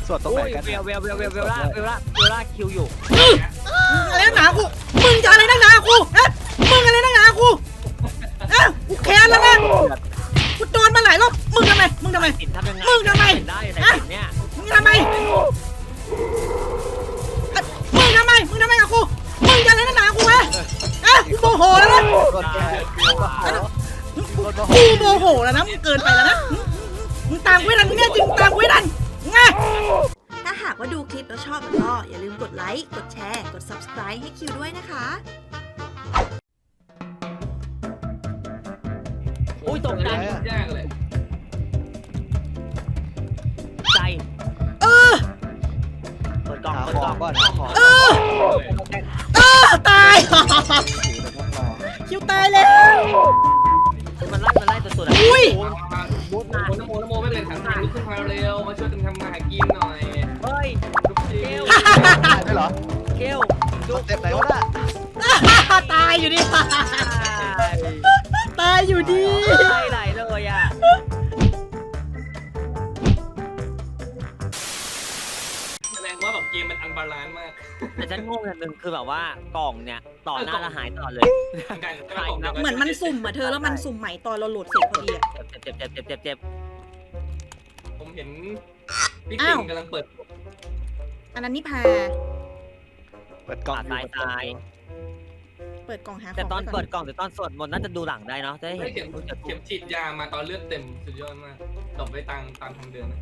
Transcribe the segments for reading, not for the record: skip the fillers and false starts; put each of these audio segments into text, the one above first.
สวดตรงไหนกันเวลาคิวอยู่อะไรนักหนากูมึงจะอะไรนักหนากูมึงอะไรนักหนากูกูแค้นแล้วนะกูโดนมาหลายรอบมึงทำไมมึงทำไมมึงทำไมมึงทำไมกับกูมึงจะอะไรนักหนากูกูโมโหแล้วนะกูโมโหแล้วนะมึงเกินไปแล้วนะมึงตามกูให้ทันมึงเนี่ยจริงตามกูให้ทันไงถ้าหากว่าดูคลิปแล้วชอบก็อย่าลืมกดไลค์กดแชร์กด Subscribe ให้คิวด้วยนะคะอุ้ยตกใจยากเลยใจเปิดกล่องก่อนตายคิวตายแล้วมันไล่ตัวๆอุ้ยน้ำโมไม่เป็นถังลุกขึ้นมาเร็วมาช่วยกันทำมาหากินหน่อยเฮ้ยเกลได้เหรอเกลดูเต็มไหนวะน่ะตายอยู่ดีตายอยู่ดีไหลเลยอ่ะแสดงว่าแบบเกมมันอันบาลานซ์มากแต่ฉันงงอย่างนึงคือแบบว่ากล่องเนี่ยต่อหน้าแล้วหายตลอดเลยเหมือนมันสุ่มเธอแล้วมันสุ่มใหม่ตอนเราโหลดเสร็จพอดีเจ็บผมเห็นพี่ติ่งกำลังเปิดอันนั้นนี่พาเปิดกล่องตายเปิดกล่องหาแต่ตอนเปิดกล่องหรือตอนสวดมนต์น่าจะดูหลังได้เนาะจะได้เห็นเข็มฉีดยามาตอนเลือดเต็มสุดยอดมากตบไปตามทางเดิน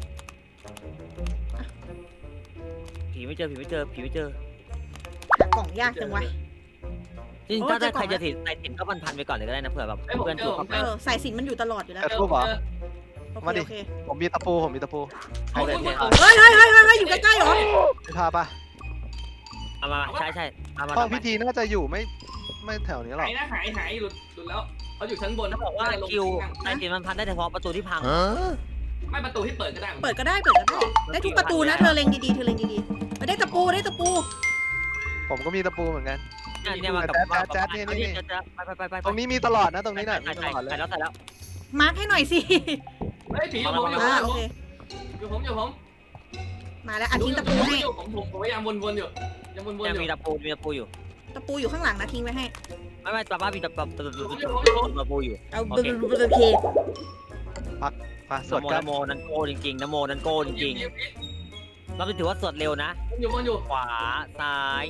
ผีไม่เจอหากล่องยากจังวะจริงถ้าใครจะใส่สินก็พันไปก่อนเลยก็ได้นะเผื่อแบบเพื่อนถูกใส่สินมันอยู่ตลอดอยู่แล้วทูบเหรอมาดิผมมีตะปูเฮ้ยอยู่ใกล้ๆหรอพาปะเอามาใช่ห้องพิธีน่าจะอยู่ไม่แถวนี้หรอกหายหลุดแล้วเขาอยู่ชั้นบนเขาบอกว่าคิวใส่สินมันพันได้เฉพาะประตูที่พังไม่ประตูที่เปิดก็ได้ได้ทุกประตูนะเธอเล็งดีได้ตะปูผมก็มีตะปูเหมือนกันเนี่ยมากับแจ๊ดนี่ไปตรงนี้มีตลอดนะตรงนี้น่ะมีตลอดเลยแล้วมาร์คให้หน่อยสิเฮ้ยผีอยู่ผมมาแล้วทิ้งตะปูให้ผมพยายามวนอยู่ยังวนอยู่มีตะปูอยู่ตะปูอยู่ข้างหลังนะทิ้งไว้ให้ไม่ตาบ้ามีตะปูอยู่เอาโอเคมาสวดกันนโมนันโก้จริงเราไปถือว่าสวดเร็วนะอยู่ขวาซ้าย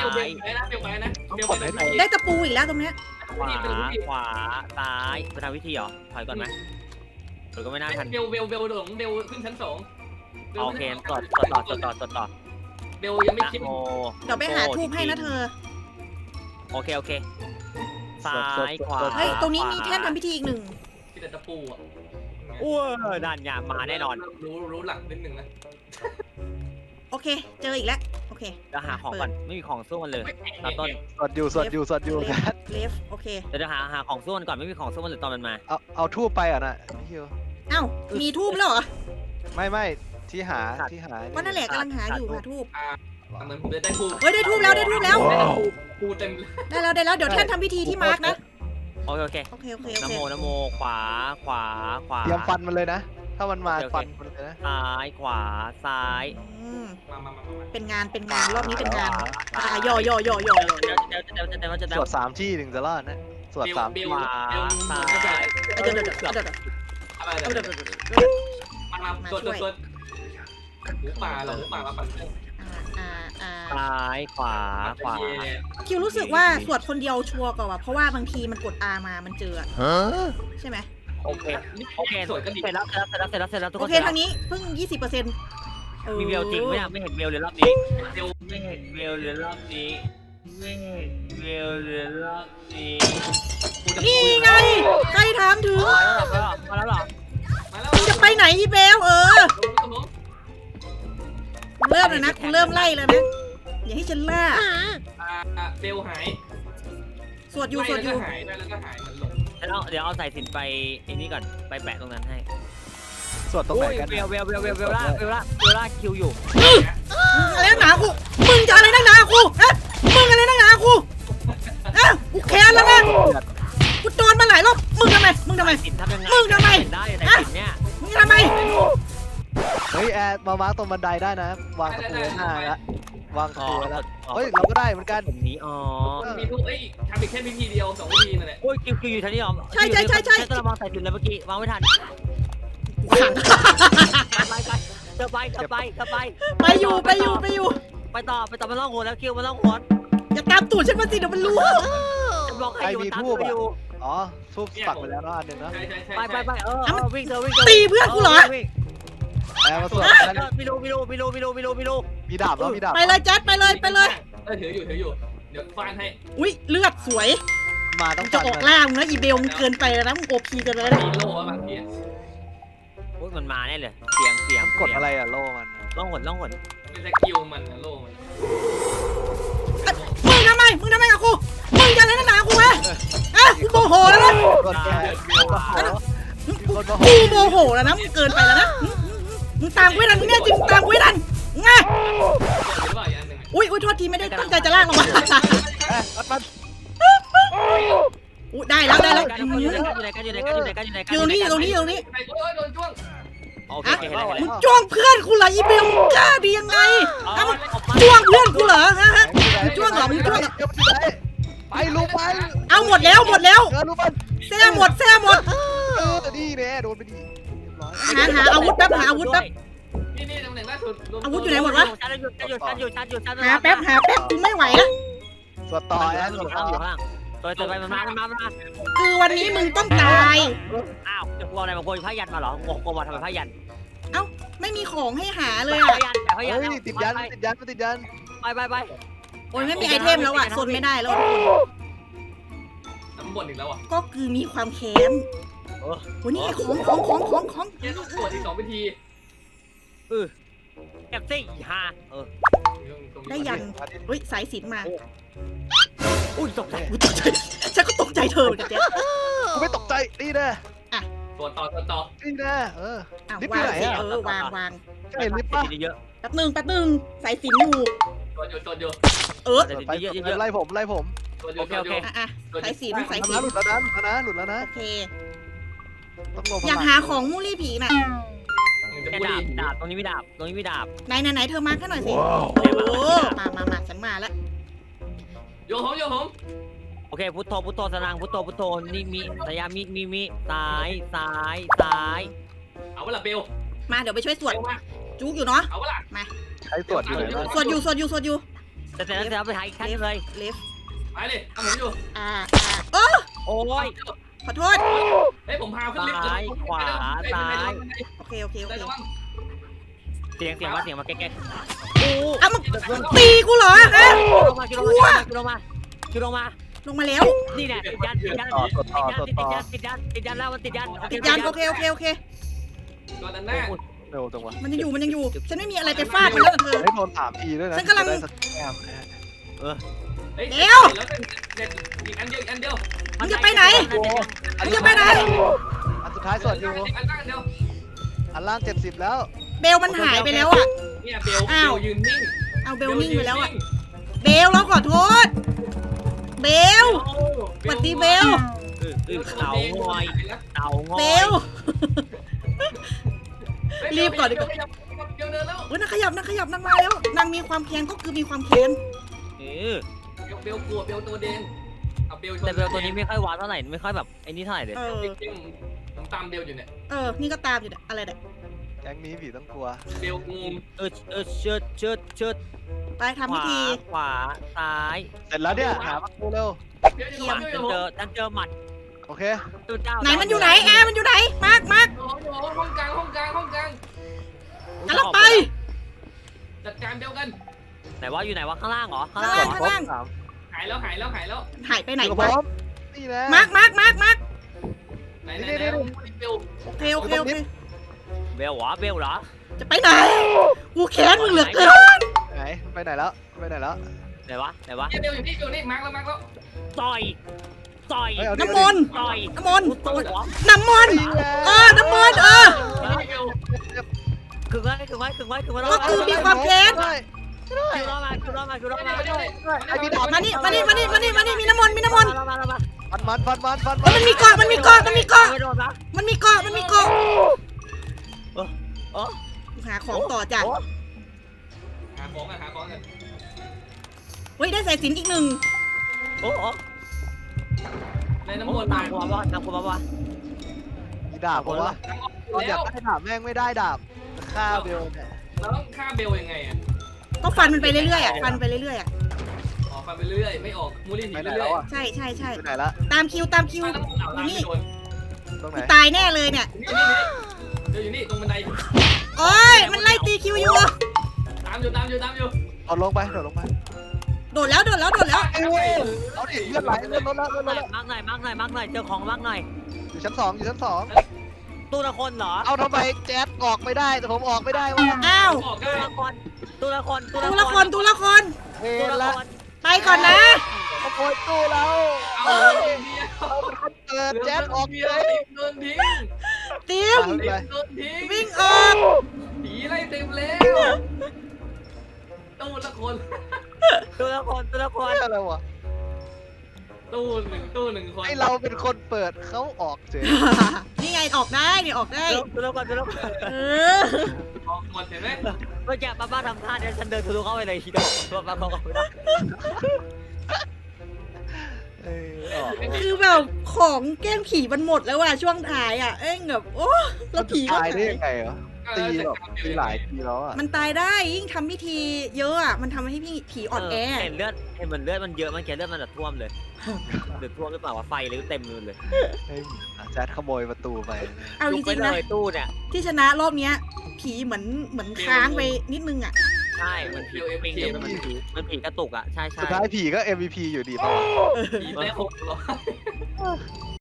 ได้ตะปูอีกแล้วตรงเนี้ยขวาซ้ายไปทำวิธีเหรอถอยก่อนไหมหรือก็ไม่น่าทันเบลขึ้นชั้น2 โอเคต่อเบลยังไม่คิดเดี๋ยวไปหาทูบให้นะเธอโอเคซ้ายขวาเฮ้ยตรงนี้มีแท่นทำพิธีอีกหนึ่งที่แต่ตะปูอ่ะด้านยามาแน่นอนรู้หลักนิดนึงนะโอเคเจออีกแล้วโอเคจะหาของก่อนไม่มีของสู้มันเลยตอนต้นสวดอยู่เลฟโอเคจะหาของสู้มันก่อนไม่มีของสู้มันเลยตอนมันมาเอาทูบไปอ่ะนะพี่มีทูบแล้วเหรอไม่ที่หาก็นั่นแหละกำลังหาอยู่หาทูบเหมือนผมได้ทูบได้ทูบแล้วทูเต็มได้แล้วเดี๋ยวแท่นทำพิธีที่มาร์กนะโอเคนโมขวาเตรียมฟันมันเลยนะถ้ามันมาฟันมันเลยนะซ้ายขวาซ้ายเป็นงานรอบนี้เป็นงานย่อจะสวด3ที่ถึงจะรอดนะสวด3ที่ขวาซ้ายมาสวดหูป่ามาปั่นซ้ายขวาคิวรู้สึกว่าสวดคนเดียวชัวร์กว่าเพราะว่าบางทีมันกด R มามันเจอใช่ไหมโอเคสวยก็ดีเสร็จแล้วทุกคนโอเคทางนี้เพิ่ง 20% มีเบลจริงไม่เห็นเบลเลยรอบนี้ไม่เห็นเบลเลยรอบนี้นี่ไงใครถามถึงมาแล้วหรอจะไปไหนอีเบลเริ่มเลยนะกูเริ่มไล่แล้วนะอย่าให้ฉันล่าเบลหายสวดอยู่หายแล้วก็หายมันหลงเดี๋ยวเอาใส่สินไปไอ้นี่ก่อนไปแปะตรงนั้นให้สวดตรงไหนกันเวลาคิวอยู่อะไรนักหนากูมึงจะอะไรนักหนากูมึงอะไรนักหนากูกูแค้นแล้วนะกูโดนมาหลายรอบมึงทำไมสินทำยังไงมึงทำไมได้สินเนี่ยมึงทำไมเฮ้ยแอร์มามาร์กตรงบันไดได้นะวางตะปูหน้าแล้ววางตะปูแล้วเฮ้ยเราก็ได้เหมือนกันแบบนี้อ๋อมีทุกทำอีกแค่วิธีเดียว2วิธีนั่นแหละโอ้ยคิวอยู่ทันทีอ๋อใช่กระมังใส่จุดเลยเมื่อกี้วางไม่ทันขังไปเธอไปไปอยู่ไปต่อมันล่องหัวแล้วคิวมันล่องหัวอย่าตามตูดฉันมาสิเดี๋ยวมันรู้จะบอกให้อยู่ตามอยู่อ๋อทูบปักไปแล้วเนาะอันหนึ่งเนาะใช่ไปวิ่งเธอตีเพื่อนกูเหรอแอร์มาสวดกันไม่รู้มีดาบแล้วมีดาบไปเลยแจ๊ดไปเลยถืออยู่เดี๋ยวฟาดให้อุ้ยเลือดสวยมาต้องจะฟันออกมันล่างนะอีเบลมึงเกินไปแล้วนะมึงโอพีเกินไปแล้วนะมีโล่บางทีโอ้ยมันมาแน่เลยเสียงกดอะไรอะโล่มันล่องหนเป็นสกิลมันโล่มันมึงทำไมกับกูมึงจะอะไรนักหนากูฮะกูโมโหแล้วนะกดแอร์กูกดมาโมโหแล้วนะมึงเกินไปแล้วนะมึงตามกูให้ทันมึงเนี่ยจริงตามกูให้ทันไงหรือว่าอย่างนึงอุ้ยโทษทีไม่ได้ตั้งใจจะลากลงมามันอุ้ยได้แล้วอยู่ไหนกันอยู่ตรงนี้ใครโดนจ้วงโอเคมึงจ้วงเพื่อนกูเหรออีเบลมึงกล้าดียังไงมึงจ้วงเพื่อนกูเหรอฮะจ้วงเหรอมึงจ้วงเหรอไปลูกไปเอาหมดแล้วลูกมันแซ่หมดนี่แน่โดนไปดีหาอาวุธแป๊บนี่ตำแหน่งล่าสุดอาวุธอยู่ไหนหมดวะชันอยู่หาแป๊บกูไม่ไหวแล้วสวดต่อแอร์อยู่ข้างล่างตัวไปมันมาคือวันนี้มึงต้องตายอ้าวจะกลัวอะไรมาโกยผ้ายันมาเหรอกลัวมาทำไมผ้ายันไม่มีของให้หาเลยผ้าอ่ะยันผ้ายันเฮ้ยติดยันไปโอ้ยไม่มีไอเทมแล้วอ่ะโซนไม่ได้แล้วทุกคนน้ำบ่นอีกแล้วอ่ะก็คือมีความแค้นโอ้ยนี่ไงของแค่ต้องตรวจอีก2วิธีแอบซี่ฮาได้ยันเฮ้ยสายสิญจน์มาอุ้ยตกใจฉันก็ตกใจเธอเหมือนกันเจ๊กูไม่ตกใจนี่แน่ตรวจต่อนี่แน่ลิฟต์วาที่งไหนสิอ่ะวางใช่ลิฟต์ป่ะเยอะแป๊บนึงสายสิญจน์อยู่ตรวจอยู่ไปไล่ผมตรวจอยู่อ่ะสายสิญจน์หลุดแล้วนะโอเคต้องลงอยากหาของมูลี่ผีน่ะจะแค่พูดดาบตรงนี้ไม่ดาบไหนเธอมาร์คให้หน่อยสิโอ้มาฉันมาแล้วโยผมโอเคพุทโธสนางพุทโธนี่มีสยามีซ้ายเอาเวลาเบลมาเดี๋ยวไปช่วยสวดมาจุกอยู่เนาะเอาเวลาใช้ตรวจอยู่ไหนสวดอยู่แต่เสร็จแล้วไปหาอีกขั้นเลยเลฟไปเลยทำผมอยู่โอ้โอ้ยขอโทษเฮ้ยผมพาขึ้นลิฟต์โอเคได้ระวังเสียงมาแก๊กเอามึงตีกูเหรอฮะลงมาลงมาแล้วนี่แหละติดยันแล้วมันติดยันติดยันโอเคตัวด้านหน้าเร็วจังวะมันยังอยู่ ฉันไม่มีอะไรไปฟาดมันแล้วเธอให้โดน3 ทีด้วยนะเฮ้ยเดี๋ยวแล้วอีกอันเดียวมึงจะไปไหนอันสุดท้ายสวดอยู่อันเดียวอันล่าง70แล้วเบลมันหายไปแล้วอ่ะเนี่ยเบลยืนนิ่งเอาเบลนิ่งไปแล้วอ่ะ เบลเราขอโทษ เบลสวัสดีเบลเต่างอยเบล รีบก่อนดีกว่าเดี๋ยวเดินแล้วเฮ้ยนางขยับนางมาแล้ว นางมีความแค้นก็คือมีความแค้นเบลกลัวเบลตัวเด่นเอาเบลแต่เบลตัวนี้ไม่ค่อยวาร์ปเท่าไหร่ไม่ค่อยแบบไอ้นี่เท่าไหร่เลยจริงผมตามเบลอยู่เนี่ยนี่ก็ตามอยู่เนี่ยอะไรเนี่ยแก๊งนี้ผีต้องกลัวเบลงูเชิดไปทำพิธีขวาซ้ายเสร็จแล้วเนี่ยหาประตูเร็วเบลฉัอยู่นเจอหมัดโอเคไหนมันอยู่ไหนแอร์มันอยู่ไหน มาร์คห้องกลางกำลังไปจัดการเบลกันไหนว่าอยู่ไหนวะข้างล่างเหรอข้างล่างหายแล้วหายไปไหนพร้วะอมนี่นะมาร์คไหนเบลโอเคเบลเหรอจะไปไหน กูแค้นมึงเหลือเกินไหนไปไหนแล้วไหนวะเบลอยู่นี่มาร์กแล้วต่อยน้ำมนต์ต่อยน้ำมนต์ตัวหัวน้ำมนต์น้ำมนต์คือไว้ก็คือมีความแค้นคือรอมามานี่มีน้ำมนต์ฟันมันมันมีเกาะไม่โดนปะมันมีเกาะหาของต่อจ้ะหาของกันเฮ้ยได้สายสิญจนอีกหนึ่งโอ้โหในน้ำมนต์ตามกูมาว่าตามกูมาว่ามีดาบเพราะว่าเราอยากได้ดาบแม่งไม่ได้ดาบฆ่าเบลเนี่ยเราต้องฆ่าเบลยังไงอ่ะก็ฟันมันไปเรื่อยๆอ่ะฟันไปเรื่อยๆอ่ะออกไปเรื่อยไม่ออกมูลี่หนีไปไปไหนเรื่แล้อยวอ่ะใช่ใช่ใช่ไปไหนละตามคิวน้ำมนต์เอาน้ำไม่โดนตรงไหนกูตายแน่เลยเนี่ยเดี๋ยวอยู่นี่ตรงบันไดโอ้ยมันไล่ตีคิวอยู่ตามอยู่เอาลงไปโดดลงไปโดดแล้วไอ้เว้ยเอาดิเลือดไหลเลือดลดแล้วเลือดลดแล้วมากหน่อยเจอของมากหน่อยอยู่ชั้น 2อยู่ชั้น 2 ตู้ละคนเหรอเอาทำไมแจ๊ดออกไม่ได้แต่ผมออกไม่ได้วะอ้าวออกตู้ได้ละคนตู้ละคนตัวละครเวตู้รละละคนไปก่อนนะขโมยตู้เราเอาเฮ้ยเดียวเอาเป็นคนเปิดแจ๊ดออกเดีเลยโดนทิ้งติมไปโดนทิ้งวิ่งออกผีไล่เต็มแล้วตู้ละคนตู้ละคนเฮ้ยอะไรวะตู้หนึ่งคนไอเราเป็นคนเปิดเขาออกเฉยนี่ไงออกได้เนี่ยออกได้ตู้ละคนเออออกหมดเห็นไหมเมื่อกี้ป้าทำท่าเนี่ยฉันเดินทะลุเข้าไปเลยทีเดียวป้าเขาไม่ได้ออกคือแบบของแกล้งผีมันหมดแล้วว่ะช่วงท้ายอ่ะเอ้ยแบบโอ้แล้วผีก็ตายหาได้ยยังไงเหรอตีแบบตีหลายทีแล้วอ่ะมันตายได้ยิ่งทำพิธีเยอะอ่ะมันทำให้ผีอ่อนแอเห็นเมือนเลือดมันเยอะมันแกเลือดมันจะท่วมเลยหรือท่วมหรือเปล่าวะไฟหรือเต็มเลยแจ๊ดขโมยประตูไปเอาจริงๆนะเลยตู้เนี่ยที่ชนะรอบเนี้ย ผีเหมือนค้างไปนิดนึงอ่ะใช่มันผีปิงมันผีกระตุกอ่ะใช่สุดท้ายผีก็ MVP อยู่ดีป่ะผีได้600